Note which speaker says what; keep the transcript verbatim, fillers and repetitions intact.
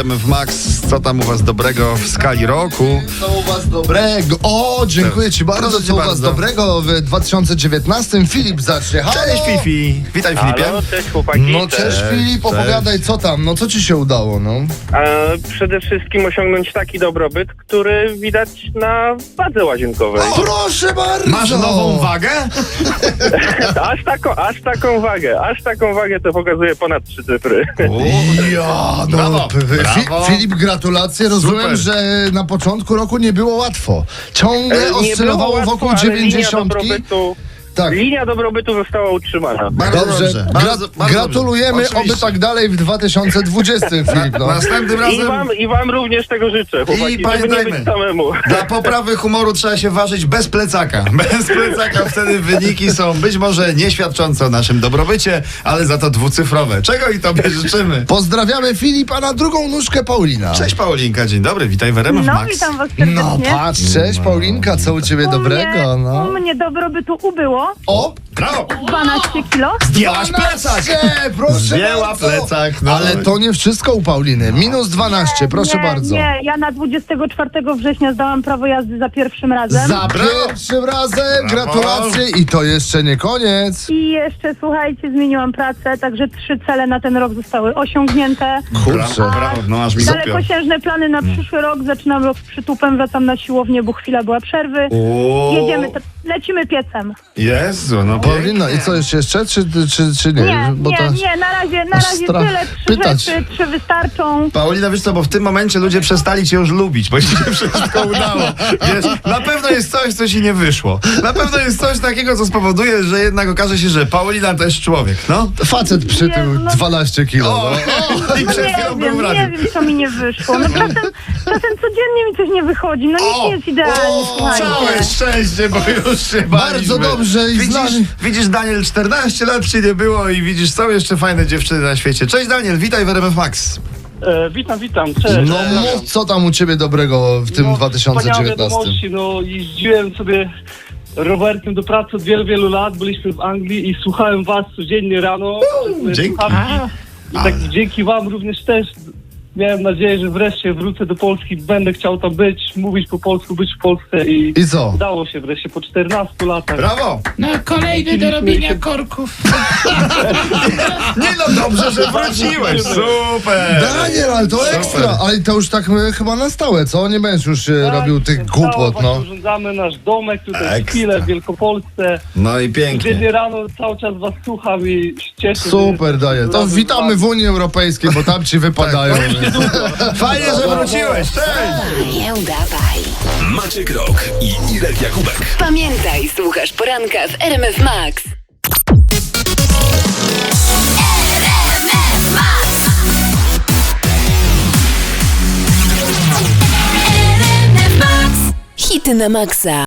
Speaker 1: R M F Max. Co tam u was dobrego w skali roku?
Speaker 2: Co u was dobrego? O, dziękuję ci bardzo.
Speaker 1: Proszę cię
Speaker 2: Co u was
Speaker 1: bardzo.
Speaker 2: dobrego w dwa tysiące dziewiętnastym? Filip zacznie. Halo.
Speaker 1: Cześć Fifi. Witaj Filipie.
Speaker 3: Halo, cześć chłopaki.
Speaker 2: No cześć Filip,
Speaker 1: cześć.
Speaker 2: opowiadaj co tam, no co ci się udało, no?
Speaker 3: E, przede wszystkim osiągnąć taki dobrobyt, który widać na wadze łazienkowej.
Speaker 2: Proszę bardzo!
Speaker 1: Masz nową wagę?
Speaker 3: Aż taką, aż taką wagę, aż taką wagę to pokazuje ponad trzy cyfry.
Speaker 2: Ja, no,
Speaker 1: Brawo,
Speaker 2: p- Fi-
Speaker 1: brawo.
Speaker 2: Filip, gratulacje. Rozumiem,
Speaker 1: Super.
Speaker 2: że na początku roku nie było łatwo. Ciągle
Speaker 3: E, nie
Speaker 2: oscylowało
Speaker 3: było łatwo,
Speaker 2: wokół
Speaker 3: ale
Speaker 2: dziewięćdziesiątki.
Speaker 3: Linia dobrobytu,
Speaker 2: Tak.
Speaker 3: linia dobrobytu została utrzymana.
Speaker 1: Bardzo
Speaker 2: Dobrze,
Speaker 1: dobrze.
Speaker 2: Gra-
Speaker 1: Bardzo, bardzo
Speaker 2: gratulujemy,
Speaker 1: dobrze.
Speaker 2: oby
Speaker 1: Oczywiście.
Speaker 2: tak dalej w dwa tysiące dwudziestym, Filip. No.
Speaker 1: Następnym
Speaker 3: I
Speaker 1: razem
Speaker 3: wam, I wam również tego życzę, chłopaki, żeby nie
Speaker 1: pamiętajmy.
Speaker 3: być samemu.
Speaker 1: dla poprawy humoru trzeba się ważyć bez plecaka. Bez plecaka wtedy wyniki są być może nieświadczące o naszym dobrobycie, ale za to dwucyfrowe. Czego i tobie życzymy.
Speaker 2: Pozdrawiamy Filipa, na drugą nóżkę Paulina.
Speaker 1: Cześć Paulinka, dzień dobry, witaj w R M F
Speaker 4: No,
Speaker 1: Max.
Speaker 4: witam was serdecznie.
Speaker 2: No patrz, cześć Paulinka, co u ciebie
Speaker 4: u
Speaker 2: dobrego?
Speaker 4: mnie,
Speaker 2: No.
Speaker 4: U mnie dobrobytu ubyło
Speaker 2: O,
Speaker 1: Brawo!
Speaker 4: dwanaście kilo.
Speaker 1: Zdjęłaś plecak!
Speaker 2: dwanaście, proszę
Speaker 1: Zdjęła
Speaker 2: bardzo.
Speaker 1: plecak, no.
Speaker 2: Ale to nie wszystko u Pauliny. Minus dwanaście, proszę
Speaker 4: nie,
Speaker 2: bardzo.
Speaker 4: Nie, ja na dwudziestego czwartego września zdałam prawo jazdy za pierwszym razem.
Speaker 2: Za
Speaker 1: Brawo.
Speaker 2: pierwszym razem,
Speaker 1: Brawo.
Speaker 2: gratulacje i to jeszcze nie koniec.
Speaker 4: I jeszcze, słuchajcie, zmieniłam pracę, także trzy cele na ten rok zostały osiągnięte.
Speaker 2: Kurczę.
Speaker 1: Brawo, brawo, no aż mi zapiął.
Speaker 4: Dalekosiężne plany na przyszły rok. Zaczynam rok z przytupem, wracam na siłownię, bo chwila była przerwy.
Speaker 1: O,
Speaker 4: Jedziemy, t- lecimy piecem.
Speaker 1: Jezu, no
Speaker 2: Paulina, i co jeszcze, czy, czy, czy nie?
Speaker 4: Nie,
Speaker 2: Bo
Speaker 4: nie,
Speaker 2: to...
Speaker 4: nie, na razie, na
Speaker 2: aż
Speaker 4: razie
Speaker 2: strach
Speaker 4: tyle, trzy
Speaker 2: pytać.
Speaker 4: rzeczy, trzy wystarczą.
Speaker 1: Paulina, wiesz co, bo w tym momencie ludzie przestali cię już lubić, bo ci się wszystko udało. Wiesz, na pewno jest coś, co ci nie wyszło. Na pewno jest coś takiego, co spowoduje, że jednak okaże się, że Paulina też człowiek, no.
Speaker 2: Facet przytył
Speaker 4: Nie, no-
Speaker 2: dwanaście kilo.
Speaker 1: O,
Speaker 2: No.
Speaker 1: i
Speaker 4: No
Speaker 1: przed
Speaker 4: nie
Speaker 1: chwilą był
Speaker 4: wiem,
Speaker 1: w
Speaker 4: nie
Speaker 1: radiu.
Speaker 4: wiem, co mi nie wyszło. No czasem, czasem codziennie mi coś nie wychodzi. No nic nie jest idealnie,
Speaker 1: Całe
Speaker 4: słuchajcie.
Speaker 1: szczęście, bo już się baliśmy.
Speaker 2: Bardzo dobrze i
Speaker 1: widzisz,
Speaker 2: znamy.
Speaker 1: widzisz, Daniel, czternaście lat ci nie było i widzisz, są jeszcze fajne dziewczyny na świecie. Cześć Daniel, witaj w R M F Max.
Speaker 5: E, witam, witam, cześć.
Speaker 2: No mów, co tam u ciebie dobrego w tym
Speaker 5: No,
Speaker 2: dwa tysiące
Speaker 5: wspaniałe
Speaker 2: dziewiętnastym?
Speaker 5: wiadomości, no jeździłem sobie rowerkiem do pracy od wielu, wielu lat, byliśmy w Anglii i słuchałem was codziennie rano.
Speaker 1: dzięki.
Speaker 5: Słuchawki. I tak dzięki wam również też miałem nadzieję, że wreszcie wrócę do Polski, będę chciał tam być, mówić po polsku, być w Polsce i
Speaker 2: I co?
Speaker 5: udało się wreszcie po czternastu latach.
Speaker 1: Brawo.
Speaker 6: No kolejny do robienia korków.
Speaker 1: Nie no, dobrze, że wróciłeś. Super.
Speaker 2: Daniel, ale to
Speaker 1: Super.
Speaker 2: ekstra, ale to już tak e, chyba na stałe, co? Nie będziesz już e,
Speaker 5: Tak,
Speaker 2: robił tych
Speaker 5: stało,
Speaker 2: głupot,
Speaker 5: właśnie
Speaker 2: no.
Speaker 5: Urządzamy nasz domek tutaj w
Speaker 1: Ekstra.
Speaker 5: Pile, w Wielkopolsce.
Speaker 1: No i
Speaker 5: Codziennie
Speaker 1: pięknie.
Speaker 5: rano cały czas was słucham i cieszę się.
Speaker 2: Super, Daniel. To
Speaker 5: razem z
Speaker 2: witamy
Speaker 5: wami.
Speaker 2: w Unii Europejskiej, bo tam ci wypadają.
Speaker 1: Fajnie, że wróciłeś. Cześć.
Speaker 7: Nie udawaj.
Speaker 8: Maciek Rok i Irek Jakubek.
Speaker 7: Pamiętaj, słuchasz poranka w R M F Max. Hity na maksa.